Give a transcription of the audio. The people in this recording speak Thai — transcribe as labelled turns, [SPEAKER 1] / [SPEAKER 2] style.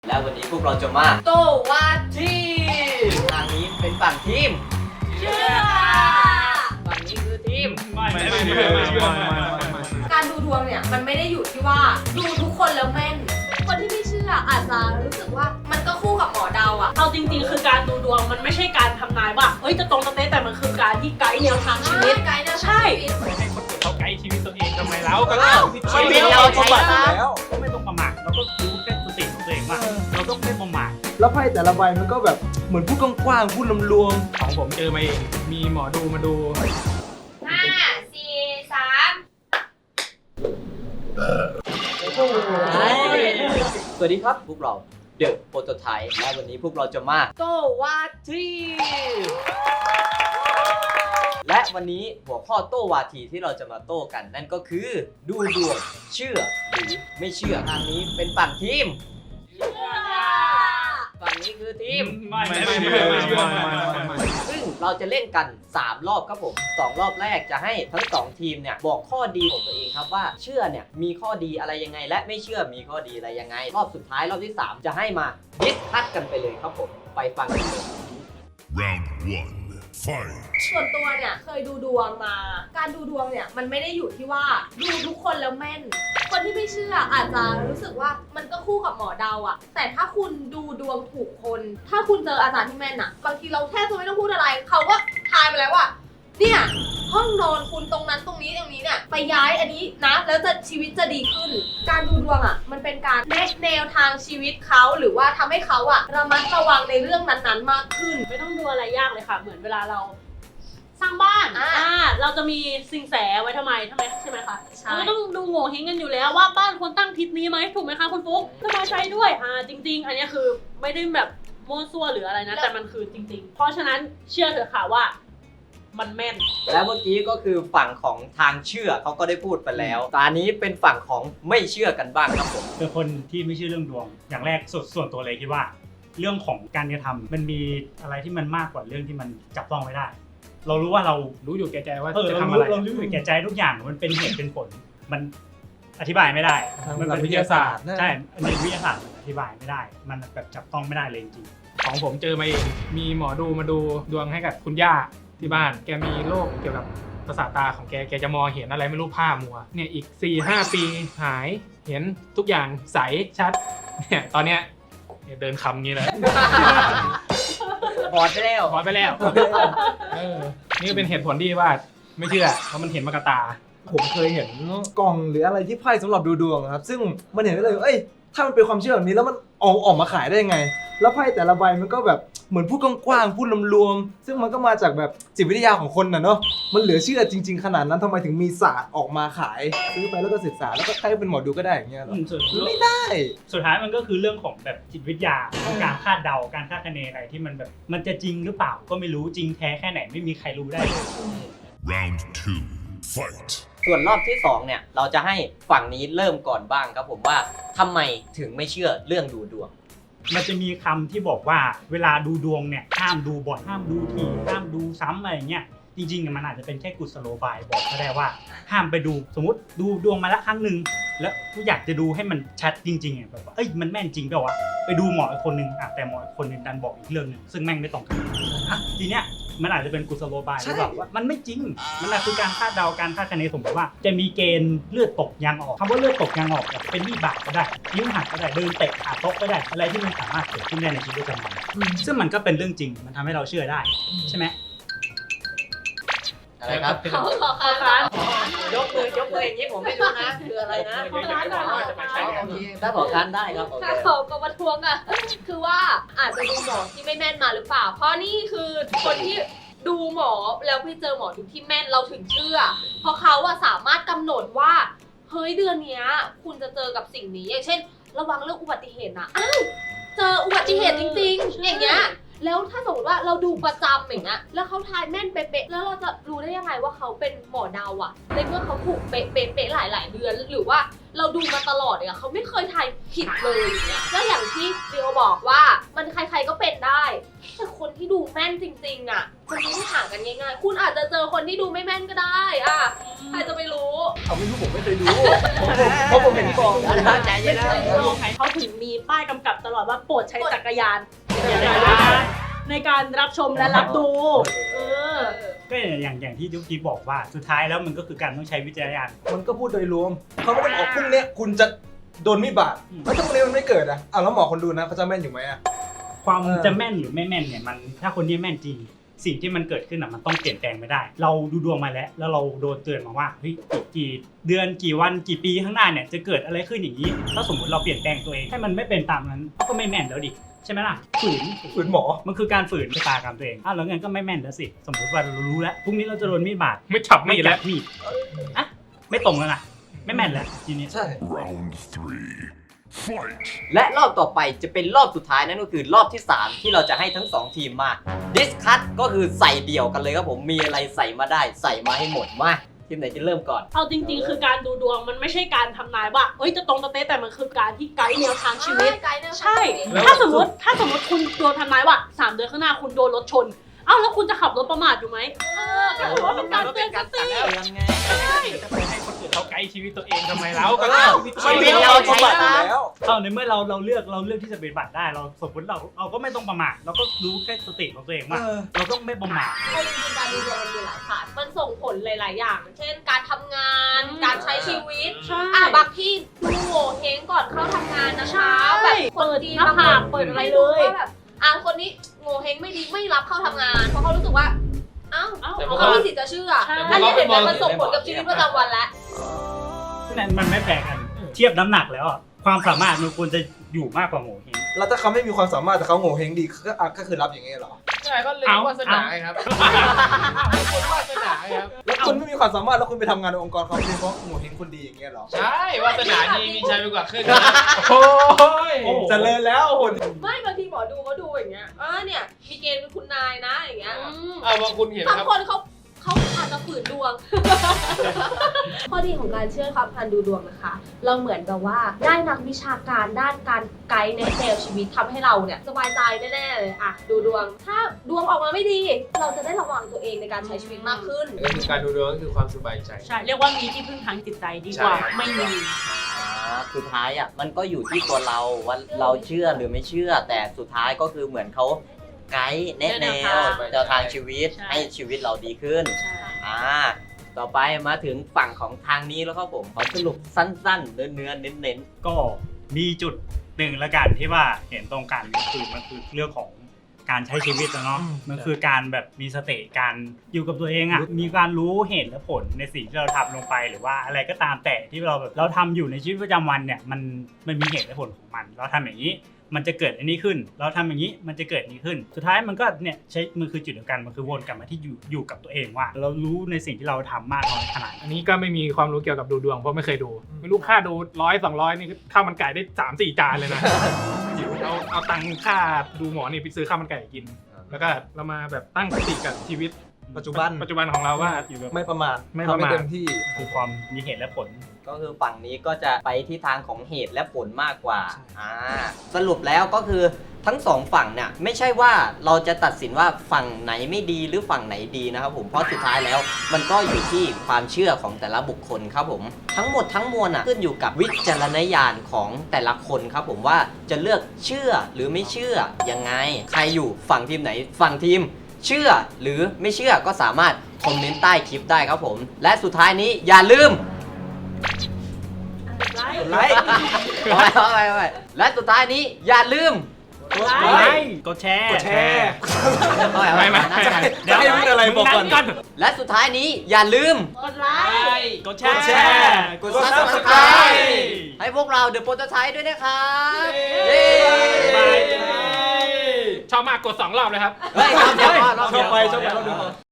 [SPEAKER 1] แล้ววันนี้พวกเราจะมาโตวาทีทางนี้เป็นฝั่งทีมเชื่อฝั่งนี้คือทีมไม่
[SPEAKER 2] การดูดวงเนี่ยมันไม่ได้อยู่ที่ว่าดูทุกคนแล้วแม่น คนที่ไม่เชื่ออาจจะรู้สึกว่ามันก็คู่กับหมอเดาอะ
[SPEAKER 3] เอาจริงๆคือการดูดวงมันไม่ใช่การทำนายว่าเฮ้ยจะตรงจะเป๊ะแต่มันคือการที่ไกด์แนวทางชีวิต
[SPEAKER 2] ไกด์นะ
[SPEAKER 3] ใช่
[SPEAKER 4] ไม่ให้คนอื่นเขาไกด์ชีวิตตัวเองทำไมแล้วก็
[SPEAKER 1] ชีวิตเราใช้แล้ว
[SPEAKER 4] ก็ไม่ต้องประมาทเราก็รู้แค่สติของตัวเองว่าเราต้องไม่ประมาท
[SPEAKER 5] แล้วไพ่แต่ละใบมันก็แบบเหมือนพูดกว้างๆพูดรวม
[SPEAKER 4] ของผมเจอมาเองมีหมอดูมาดู
[SPEAKER 2] 5 4 3
[SPEAKER 1] สวัสดีครับพวกเราเดอะโปรโตไทป์และวันนี้พวกเราจะมาโตวาทีและวันนี้หัวข้อโต้วาทีที่เราจะมาโต้กันนั่นก็คือดูดวงเชื่อหรือไม่เชื่อทางนี้เป็นฝั่งทีมฝั่งนี้คือทีม
[SPEAKER 4] ไม่
[SPEAKER 1] ซึ่งเราจะเล่นกัน 3 รอบครับผม2รอบแรกจะให้ทั้ง2ทีมเนี่ยบอกข้อดีของตัวเองครับว่าเชื่อเนี่ยมีข้อดีอะไรยังไง และไม่เชื่อมีข้อดีอะไรยังไง รอบสุดท้ายรอบที่ 3 จะให้มาดิสคัสกันไปเลยครับผมไปฟังกันเลย
[SPEAKER 6] Round 1. Fight.
[SPEAKER 2] ส่วนตัวเนี่ยเคยดูดวงมา การดูดวงเนี่ยมันไม่ได้อยู่ที่ว่าดูทุกคนแล้วแม่น คนที่ไม่เชื่ออาจจะรู้สึกว่ามันก็คู่กับหมอเดาอะแต่ถ้าคุณดูดวงถูกคน ถ้าคุณเจออาจารย์ที่แม่นอะบางทีเราแทบจะไม่ต้องพูดอะไร เขาก็ทายมาแล้วว่าเนี่ยห้องนอนคุณตรงนั้นตรงนี้เนี่ยไปย้ายอันนี้นะแล้วจะชีวิตจะดีขึ้น การดูดวงอะมันเป็นการแนะแนวทางชีวิตเขาหรือว่าทำให้เขาอะระมัดระวังในเรื่องนั้นๆมากขึ้น
[SPEAKER 3] ไม่ต้องดูอะไรยากเลยค่ะ เหมือนเวลาเราสร้างบ้านเราจะมีสิงแสไว้ทำไมใช่ไหมคะ
[SPEAKER 2] ใช่
[SPEAKER 3] เราก็ต้องดูโง่เฮงกันอยู่แล้วว่าบ้านควรตั้งทิศนี้ไหมถูกไหมคะคุณฟุ๊กสบายใจด้วยจริงๆ อันนี้คือไม่ได้แบบมั่วซั่วหรืออะไรนะแต่มันคือจริงๆ เพราะฉะนั้นเชื่อเถอะค่ะว่ามันแม่น
[SPEAKER 1] และเมื่อกี้ก็คือฝั่งของทางเชื่อเขาก็ได้พูดไปแล้วตอนนี้เป็นฝั่งของไม่เชื่อกันบ้างครับผม
[SPEAKER 4] เป็นคนที่ไม่เชื่อเรื่องดวง อย่างแรกส่วนตัวเลยคิดว่า เรื่องของการกระทำมันมีอะไรที่มันมากกว่าเรื่องที่มันจับต้องไม่ได้ เรารู้ว่าเรารู้อยู่แก่ใจว่าจะทำอะไรเรารู้อยู่แก่ใจทุกอย่างมันเป็นเหตุเป็นผลมันอธิบายไม่ได้
[SPEAKER 5] ๆ
[SPEAKER 4] มัน
[SPEAKER 5] หลั
[SPEAKER 4] เป็
[SPEAKER 5] ก
[SPEAKER 4] น
[SPEAKER 5] วิทยาศาสตร์
[SPEAKER 4] ใช่ในวิทยาศาสตร์อธิบายไม่ได้ มันแบบจับต้องไม่ได้เลยจริงของผมเจอมาเองมีหมอดูมาดูดวงให้กับคุณย่าที่บ้านแกมีโรคเกี่ยวกับประสาทตาของแกจะมองเห็นอะไรไม่รู้ผ้ามัวเนี่ยอีก 4-5 ปีหายเห็นทุกอย่างใสชัดเนี่ยตอนเนี้ยเดินคำงี้เลย
[SPEAKER 1] บอดไปแล้ว
[SPEAKER 4] พอไปแล้วนี่ก็เป็นเหตุผลที่ว่าไม่เชื่อเพราะมันเห็นมากระตา
[SPEAKER 5] ผมเคยเห็นกล่องหรืออะไรที่ไพ่สำหรับดูดวงครับซึ่งมันเห็นได้เลยว่าเอ้ยถ้ามันเป็นความเชื่อแบบนี้แล้วมันออกมาขายได้ยังไง แล้วไพ่แต่ละใบมันก็แบบเหมือนพูดกว้างๆพูดรวมๆซึ่งมันก็มาจากแบบจิตวิทยาของคนน่ะเนาะมันเหลือเชื่อจริง ๆ ขนาดนั้นทำไมถึงมีศาสตร์ออกมาขายซื้อไปแล้วก็ศึกษาแล้วก็ใครเป็นหมอดูก็ได้อย่างเงี้ยเหรอไม่ได้
[SPEAKER 4] สุดท้ายมันก็คือเรื่องของแบบจิตวิทยาการคาดเดาการคาดคะเนอะไรที่มันแบบมันจะจริงหรือเปล่าก็ไม่รู้จริงแท้แค่ไหนไม่มีใครรู้ได้เลย
[SPEAKER 6] Round 2. Fight.
[SPEAKER 1] ส่วนรอบที่2เนี่ยเราจะให้ฝั่งนี้เริ่มก่อนบ้างครับผมว่าทำไมถึงไม่เชื่อเรื่องดูดวง
[SPEAKER 4] มันจะมีคำที่บอกว่าเวลาดูดวงเนี่ยห้ามดูบ่อยห้ามดูทีห้ามดูซ้ำอะไรเงี้ยจริงๆมันอาจจะเป็นแค่กุศโลบายบอกก็ได้ว่าห้ามไปดูสมมติดูดวงมาละครั้งหนึ่งแล้วอยากจะดูให้มันชัดจริงๆแบบว่าเอ้ยมันแม่นจริงเปล่าวะไปดูหมออีกคนนึงแต่หมออีกคนนึงดันบอกอีกเรื่องนึงซึ่งแม่งไม่ตรงกันทีเนี้ยมันอาจจะเป็นกุศโลบายหรือเปล่าว่ามันไม่จริงมันอาจคือการคาดเดาการคาดคะเนสมมติว่าจะมีเกณฑ์เลือดตกยางออกคำว่าเลือดตกยางออกแบบเป็นวิบากก็ได้นิ้วหักก็ได้เดินเตะขาโต๊ะก็ได้อะไรที่มันสามารถเกิดขึ้นได้ในชีวิตประจำวันซึ่งมันก็เป็นเรื่องจริงมันทำให้เราเชื่อได้ใช่ไหม
[SPEAKER 1] อะไรครับ
[SPEAKER 3] ขอค้าน
[SPEAKER 1] ยกมืออย่างนี้ผมไม่รู้นะคืออะไรนะ
[SPEAKER 3] ขอค้านหน่อย
[SPEAKER 1] โอเคถ้าขอค้านได้ครับโอเค
[SPEAKER 2] ถ้าเขาก็มาทวงอ่ะ คือว่าอาจจะดูหมอที่ไม่แม่นมาหรือเปล่า เพราะนี่คือคนที่ดูหมอแล้วไปเจอหมอดูที่แม่นเราถึงเชื่อ เพราะเขาอะสามารถกำหนดว่าเฮ้ยเดือนเนี้ยคุณจะเจอกับสิ่งนี้อย่างเช่น ระวังเรื่องอุบัติเหตุนะอ้าวเจออุบัติเหตุจริงๆอย่างเงี้ยแล้วถ้าสมมติว่าเราดูประจำอย่างเงี้ยแล้วเขาทายแม่นเป๊ะๆแล้วเราจะรู้ได้ยังไงว่าเขาเป็นหมอเดาอะในเมื่อเขาถูกเป๊ะๆหลายๆเดือนหรือว่าเราดูมาตลอดเนี่ยเขาไม่เคยทายผิดเลยอย่างเงี้ยแล้วอย่างที่ดิโอบอกว่ามันใครๆก็เป็นได้แต่คนที่ดูแม่นจริงๆอะมันไม่ได้ห่างกันง่ายๆคุณอาจจะเจอคนที่ดูไม่แม่นก็ได้อ่ะใครจะไปรู้
[SPEAKER 5] เขาไม่รู้ผมไม่เคยดูเพราะผมเห็นกอง
[SPEAKER 1] ใจเย็นนะ
[SPEAKER 3] เขาถึงมีป้ายกำกับตลอดว่าโปรดใช้จักรยานในการรับชมและรับดู
[SPEAKER 4] ก็อย่างที่ยุคที่บอกว่าสุดท้ายแล้วมันก็คือการต้องใช้วิจารณญาณ
[SPEAKER 5] มันก็พูดโดยรวมเขาไม่ได้บอกพรุ่งนี้คุณจะโดนมีดบาดแล้วถ้าพรุ่งนี้มันไม่เกิดอ่ะแล้วหมอคนดูนะเขาจะแม่นอยู่ไหมอ่ะ
[SPEAKER 4] ความจะแม่นหรือไม่แม่นเนี่ยมันถ้าคนที่แม่นจริงสิ่งที่มันเกิดขึ้นอ่ะมันต้องเปลี่ยนแปลงไม่ได้ เราดูดวงมาแล้วเราโดนเตือนมาว่าเฮ้ยอีกกี่เดือนกี่วันกี่ปีข้างหน้าเนี่ยจะเกิดอะไรขึ้นอย่างนี้ถ้าสมมติเราเปลี่ยนแปลงตัวเองให้มันไม่เป็นตามนั้นก็ไม่แม่นแล้วดิใช่ไหมล่ะฝืน
[SPEAKER 5] หมอ
[SPEAKER 4] มันคือการฝืนชะตากรรมตัวเองแล้วงั้นก็ไม่แม่นแล้วสิสมมติว่าเรารู้แล้วพรุ่งนี้เราจะโดนมีดบาด
[SPEAKER 7] ไม่ฉับ
[SPEAKER 4] ไม่
[SPEAKER 7] ไม่
[SPEAKER 4] จั
[SPEAKER 7] แล้ว
[SPEAKER 4] บมีดอ่ะไม่ตรงแล้วนะไม่แม่นแล้วทีนี้
[SPEAKER 5] ใช่
[SPEAKER 6] Round 3. Fight.
[SPEAKER 1] และรอบต่อไปจะเป็นรอบสุดท้ายนั่นก็คือรอบที่ 3 ที่เราจะให้ทั้ง 2 ทีมมาดิสคัทก็คือใส่เดี่ยวกันเลยครับผมมีอะไรใส่มาได้ใส่มาให้หมดมาทีมไหนจะเริ่มก่อน
[SPEAKER 3] เอาจริงๆ คือการดูดวงมันไม่ใช่การทำนายว่าเอ้ยจะตรงจะเป๊ะแต่มันคือการที่ไกด์แนวทางชีวิต ใช่ ถ้าสมมติคุณโดนทำนายว่า3 เดือนข้างหน้าคุณโดนรถชน เอ้าแล้วคุณจะขับรถประมาทอยู่ไหมก็ถือว่าเป็นการเตือนสติ
[SPEAKER 7] จะไปให้คนอื่นเขาไกด์ชีวิตตัวเองทำไมแล้วก็
[SPEAKER 1] ชีวิตเราใช้
[SPEAKER 5] บาด
[SPEAKER 1] ตาม
[SPEAKER 5] แล้ว
[SPEAKER 4] ในเมื่อเราเลือกที่จะปฏิบัติได้เราสมมติเราก็ไม่ต้องประมาทเราก็รู้แค่สติของตัวเองว่าเราต้องไม่ประมาท
[SPEAKER 2] เอาจริงๆการดูดวงมันมีหลายศาสตร์มันส่งผลหลายๆอย่าง เช่นการทำงาน การใช้ชีวิต
[SPEAKER 3] ใช่
[SPEAKER 2] บางที่ดูโง่เฮงก่อนเข้าทำงานนะคะ
[SPEAKER 3] ใช่
[SPEAKER 2] แบบคน
[SPEAKER 3] เปิด
[SPEAKER 2] ดี
[SPEAKER 3] หน้าผากเปิดอะไรเลย
[SPEAKER 2] ว่าแบบคนนี้โง่เฮงไม่ดีไม่รับเข้าทำงาน เพราะเขารู้สึกว่าเขามีสิทธิ์จะเชื่อ
[SPEAKER 3] ใช่
[SPEAKER 2] อันนี้เห็นไหมมันส่งผลกับชีวิตประจำวันแล้ว
[SPEAKER 4] นั่นมันไม่แปลกันเทียบน้ำหนักแล้วความสามารถมันควรจะอยู่มากกว่าโง่เฮง
[SPEAKER 5] แล้วถ้าเขาไม่มีความสามารถแต่เขาโง่เฮงดีก็คือรับอย่างเงี้ยเหรอ
[SPEAKER 7] ใช่ก็เลยนวาสนาไงครับคนวาสนาไงครับ
[SPEAKER 5] แล้วคุณไม่มีความสามารถแล้วคุณไปทำงานในองค์กรเขาเป็นเพราะโง่เฮงคนดีอย่างเงี้ยเหรอ
[SPEAKER 7] ใช่วาสนาดีมีชัยไปกว่าครึ่งโอ้ย
[SPEAKER 5] เจริญแล้วโห
[SPEAKER 2] ไม่บางทีหมอดูเขาดูอย่างเงี้ยเนี่ยมีเกณฑ์เป็นคุณนายนะอย่างเงี้ย
[SPEAKER 7] บางคุณเห็น
[SPEAKER 2] บาง
[SPEAKER 7] ครับ
[SPEAKER 2] คนเขาอาจจะฝืนดวง ข้อดีของการเชื่อความพันดูดวงนะคะ เราเหมือนกับว่าได้นักวิชาการด้านการไกด์ในแนวชีวิตทำให้เราเนี่ยสบายใจแน่ๆเลยดูดวง ถ้าดวงออกมาไม่ดี เราจะได้ระวังตัวเองในการใช้ชีวิตมากขึ้น
[SPEAKER 7] ก็คือการดูดวงก็คือความสบายใจ
[SPEAKER 3] ใช่เรียกว่ามีที่พึ่งทางจิตใจดีกว่า
[SPEAKER 7] ใช่
[SPEAKER 3] ไม่มี
[SPEAKER 1] สุดท้ายมันก็อยู่ที่ตัวเราว่าเราเชื่อหรือไม่เชื่อ แต่สุดท้ายก็คือเหมือนเขาไกด์แนะแนวแนวทางชีวิต
[SPEAKER 3] ใช่
[SPEAKER 1] ให้ชีวิตเราดีขึ้น
[SPEAKER 3] ใช่
[SPEAKER 1] ต่อไปมาถึงฝั่งของทางนี้แล้วครับผมขอสรุปสั้นๆเนื้อๆเน้น
[SPEAKER 4] ก็มีจุดหนึ่งละกันที่ว่าเห็นตรงกันก็คือมันคือเรื่องของการใช้ชีวิตนะเนาะมันคือการแบบมีสติการอยู่กับตัวเองมีการรู้เหตุและผลในสิ่งที่เราทำลงไปหรือว่าอะไรก็ตามแต่ที่เราทำอยู่ในชีวิตประจำวันเนี่ยมันมีเหตุและผลของมันเราทำอย่างนี้มันจะเกิดอันนี้ขึ้นเราทำอย่างนี้มันจะเกิดนี้ขึ้น สุดท้ายมันก็เนี่ยมันคือจุดเดียวกันมันคือวนกลับมาที่อยู่กับตัวเองว่า เรารู้ในสิ่งที่เราทำมากน้อยขนาดไหน
[SPEAKER 7] อันนี้ก็ไม่มีความรู้เกี่ยวกับดูดวงเพราะไม่เคยดู ไม่รู้ค่าดู100-200นี่ข้าวมันไก่ได้3-4 จานเลยนะเอาตังค่าดูหมอนี่ไปซื้อข้าวมันไก่กิน แล้วก็เรามาแบบตั้งสติกับชีวิต
[SPEAKER 5] ปัจจุบัน
[SPEAKER 7] ของเราว่า
[SPEAKER 5] ไม่ประมาท
[SPEAKER 7] ไม่ประมาท
[SPEAKER 5] ทำให้เต็มที่
[SPEAKER 4] คือความมีเหตุและผล
[SPEAKER 1] ๆก็คือฝั่งนี้ก็จะไปที่ทางของเหตุและผลมากกว่าสรุปแล้วก็คือทั้งสองฝั่งเนี่ยไม่ใช่ว่าเราจะตัดสินว่าฝั่งไหนไม่ดีหรือฝั่งไหนดีนะครับผมเพราะสุดท้ายแล้วมันก็อยู่ที่ความเชื่อของแต่ละบุคคลครับผมทั้งหมดทั้งมวลขึ้นอยู่กับวิจารณญาณของแต่ละคนครับผมว่าจะเลือกเชื่อหรือไม่เชื่อยังไงใครอยู่ฝั่งทีมไหนฝั่งทีมเชื่อหรือไม่เชื่อก็สามารถคอมเมนต์ใต้คลิปได้ครับผมและสุดท้ายนี้อย่าลืม
[SPEAKER 5] ไลค์
[SPEAKER 1] เอาไปและสุดท้ายนี้อย่าลืม
[SPEAKER 4] กดแชร์
[SPEAKER 7] ไม่
[SPEAKER 5] เดี๋ยวให้พูดอะไรบอกก่อน
[SPEAKER 1] และสุดท้ายนี้อย่าลืม
[SPEAKER 3] กดไลค์
[SPEAKER 4] กดแช
[SPEAKER 5] กดแช
[SPEAKER 4] ร์
[SPEAKER 5] ร์กด
[SPEAKER 1] Subscribe ให้พวกเราเดอะโปรโตไทป์ด้วยนะครับ
[SPEAKER 7] เย้
[SPEAKER 1] เย้
[SPEAKER 7] ชอบมากกด2 รอบเลยครับ
[SPEAKER 1] เฮ้ยครับเดี๋ยว
[SPEAKER 5] ชอบไปรอบเดียว